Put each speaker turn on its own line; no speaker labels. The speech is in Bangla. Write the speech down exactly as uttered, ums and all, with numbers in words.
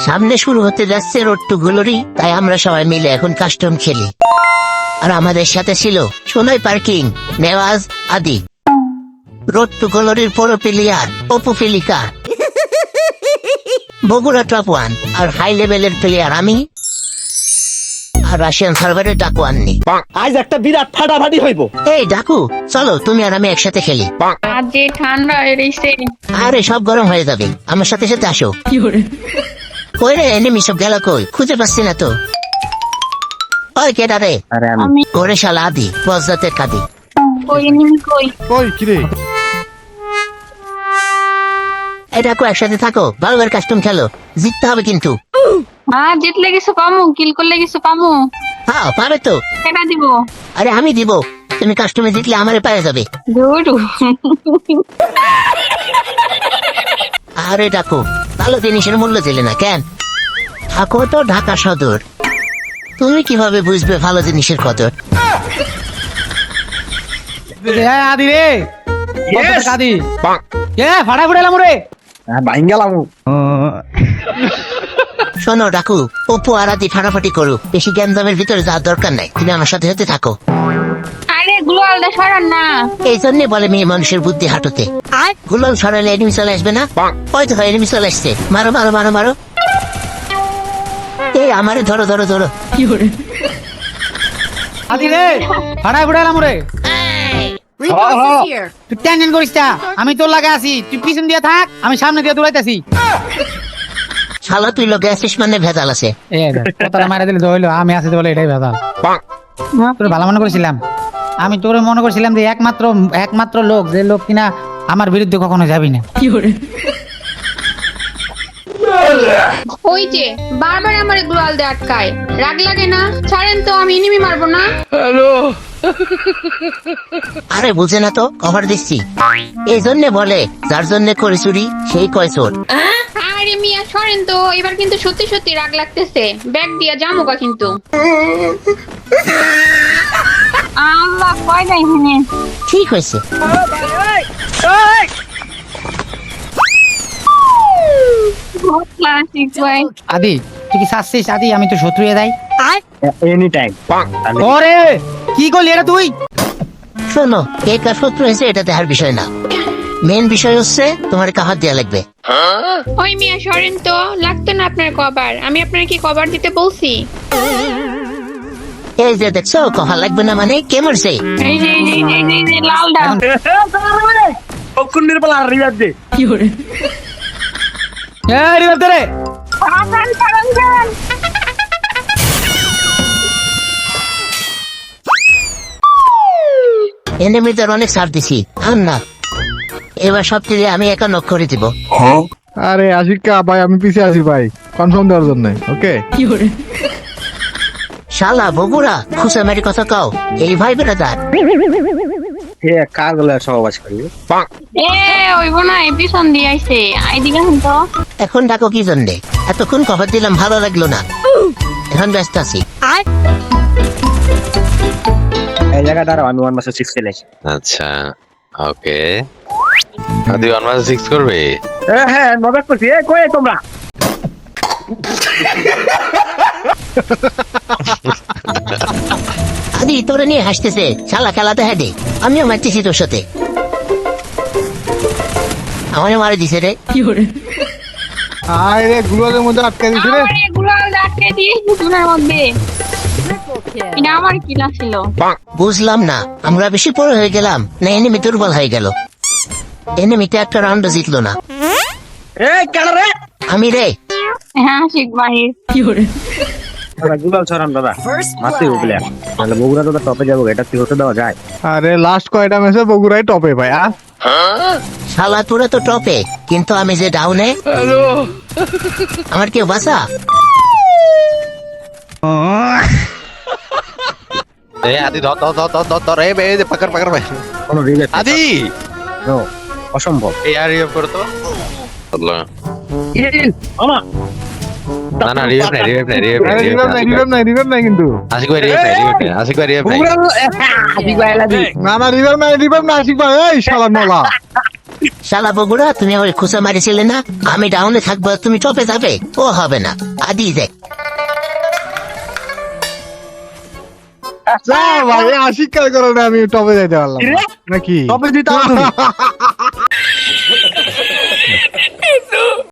সামনে শুরু হতে যাচ্ছে রোড টু গ্লোরি, তাই আমরা সবাই মিলে এখন কাস্টম খেলি। আর আমাদের সাথে ছিল সোনাই পার্কিং, নেওয়াজ, আদি। রোড টু গ্লোরির পুরো প্লেয়ার অপু ফিলিকা, বগুড়া টপ ওয়ান আর হাই লেভেলের প্লেয়ার আমি, আর রাশিয়ান সার্ভারের ডাকু আননি।
আজ একটা বিরাট ফাটাফাটি হইব।
এই ডাকু, চলো তুমি আর আমি একসাথে খেলি।
আজ যে ঠান্ডা এসে
আরে সব গরম হয়ে যাবে, আমার সাথে সাথে আসো। কই রে এনিমি সব গেল কই? খুঁজে পাচ্ছি না তো। ওই কেডা রে?
আরে
আমি
ওরে শালা আদি, বজ্জাতের কাদি।
কই এনিমি কই?
কই কিরে?
এই ডাকু একসাথে থাকো, ভালো করে কাস্টম খেলো, জিততে হবে কিন্তু।
হ্যাঁ, জিতলে কিছু পামু, কিল করলে কিছু পামু।
হ্যাঁ পাবে তো।
কেটা দিব?
আরে আমি দিব, তুমি কাস্টমে জিতলে আমারে পায়ে যাবে।
দুরু
আরে ডাকু, ভালো জিনিসের মূল্য দিলে না কেন? থাকো তো ঢাকা সদর, তুমি কিভাবে বুঝবে ভালো জিনিসের কদর?
আদি রে আদি কে ফাটা ফুটালাম রে
বাইন গেলাম।
শোনো ডাকু, অপু আর আদি ফাটাফাটি করুক, বেশি জ্ঞানদামের ভিতরে যাওয়ার দরকার নাই, তুমি আমার সাথে সাথে থাকো।
আরে গ্লোয়ালটা সরান না।
এই জন্যে বলে মেয়ে মানুষের বুদ্ধি হাঁটুতে। গুলাম সরালে এনিমি চলে আসবে না? হয়তো হয় এনিমি চলে আসছে, মারো মারো মারো মারো। এই আমারে ধরো ধরো ধরো।
আদি রে ফাটা ফুটালাম রে তুই টেনশন করিস না, আমি তোর লাগে আছি, তুই পিছন দিয়ে থাক, আমি সামনে দিয়ে দৌড়াইতেছি।
শালা তুই লোক আসিস মানে ভেজাল আছে।
কথা মারা দিলে ধরলো আমি আছি বলে এটাই ভেজাল। তোর ভালো মনে করেছিলাম, আমি তোর মনে করছিলাম যে একমাত্র একমাত্র লোক, যে লোক কিনা আমার বিরুদ্ধে কখনো যাবি না।
ওই যে বারবার আমার গ্লোয়াল দিয়ে আটকায়, রাগ লাগে না? ছাড়েন তো, আমি এনিমি মারবো না।
আরে বুঝে না তো, কভার দিচ্ছি। এই জন্যে বলে যার জন্য করে চুরি সেই কয় চোর।
আরে মিয়া সরেন তো, এবার কিন্তু সত্যি সত্যি রাগ লাগতেছে, ব্যাগ দিয়া জামুকা কিন্তু। আল্লাহ কয় নাই হেনে।
ঠিক হয়েছে।
আদি তুই কি চাচ্ছিস আদি আমি তো শত্রু এ দেয়?
Any time.
ওরে কি করলি এটা তুই?
শোনো, কে কার শত্রু হয়েছে এটা দেখার বিষয় না, মেন বিষয় হচ্ছে তোমার কাহার দেয়া লাগবে।
ওই মিয়া সরেন তো, লাগতো না আপনার কভার, আমি আপনার কি কভার দিতে বলছি?
এই যে দেখছো কভার লাগবে না মানে কে মারছে?
এই যে এই যে এই যে, এই যে, এই যে লালডা।
কোন নির্বল আর রিয়াদ দে।
এই রিভার দে রে।
ছাড়ান, ছাড়ান, ছাড়ান।
এনিমিদের অনেক ছাড় দিছি, আর না এবার সব থেকে আমি একা নক করে দিব।
আরে আশিকা ভাই, আমি পিছে আছি ভাই, কনফার্ম দেওয়ার জন্য। ওকে
শালা বগুড়া খুশা মেরি কথা কাও, এই ভাই বেড়াদার।
হে কার গলা সহবাস করি।
এ ওইব না, এই পিছন দিয়ে আইছে, আইদিকে শুন তো।
এখন ডাকো কি জন্যে? এতক্ষণ কভার দিলাম, ভালো লাগলো না, এখন ব্যস্ত আছি।
এই জায়গাটা আমি ওয়ান মাসে সিক্স খেলেছি।
আচ্ছা ওকে, আদি ওয়ান মাস সিক্স করবে?
হ্যাঁ হ্যাঁ মজা করছি। এ কই তোমরা?
আদি তোরে নিয়ে হাসতেছে, শালা খেলাতে হেঁটে আমিও মারতেছি তোর সাথে। আমারে মারে দিছে রে।
আরে গুলোদের মধ্যে আটকে দিছে রে।
আমার এগুলো আটকে দিয়ে দুজনের মধ্যে। এটা আমার কিলা ছিল।
বুঝলাম না, আমরা বেশি পরে হয়ে গেলাম না এনিমি দুর্বল হয়ে গেল? এনিমিতে একটা রাউন্ড জিতলো না।
এ কেন রে?
আমি রে।
হ্যাঁ শিখ ভাই।
গুলাল ছড়ান দাদা মারতে উঠলে তাহলে বগুড়া তো টপে যাবো, এটা কি হতে দেওয়া যায়?
আরে লাস্ট কয়টা ম্যাচে বগুড়াই টপে ভাই। আর
শালা তোরা তো টপে, কিন্তু আমি যে ডাউনে। আমার কেউ বাঁচা?
এই আদি ধর ধর ধর ধর ধর ধর, এই বে পাকড় পাকড় ভাই।
কোনো রিলেট
আদি
নো, অসম্ভব।
এই আর রিভাইভ করো তো। আল্লাহ
আমা
না না, রিভাইভ নাই, রিভাইভ নাই, রিভাইভ নাই,
রিভাইভ নাই, রিভাইভ নাই, রিভাইভ নাই কিন্তু।
আশিক ভাই রিভাইভ নাই, রিভাইভ নাই, আশিক ভাই রিভাইভ নাই।
বগুড়া আদি গায়লা দি।
না না রিভাইভ নাই, রিভাইভ না আশিক ভাই। এই শালা নলা
শালা বগুড়া তুমি আমার খুঁচা মারিছিলে না, আমি ডাউনে থাকবো তুমি টপে যাবে, ও হবে না। আদি দেখ
যা ভাই আশিক কার কারণে আমি টপে যাইতে পারলাম না। নাকি
টপে দিতে হবে।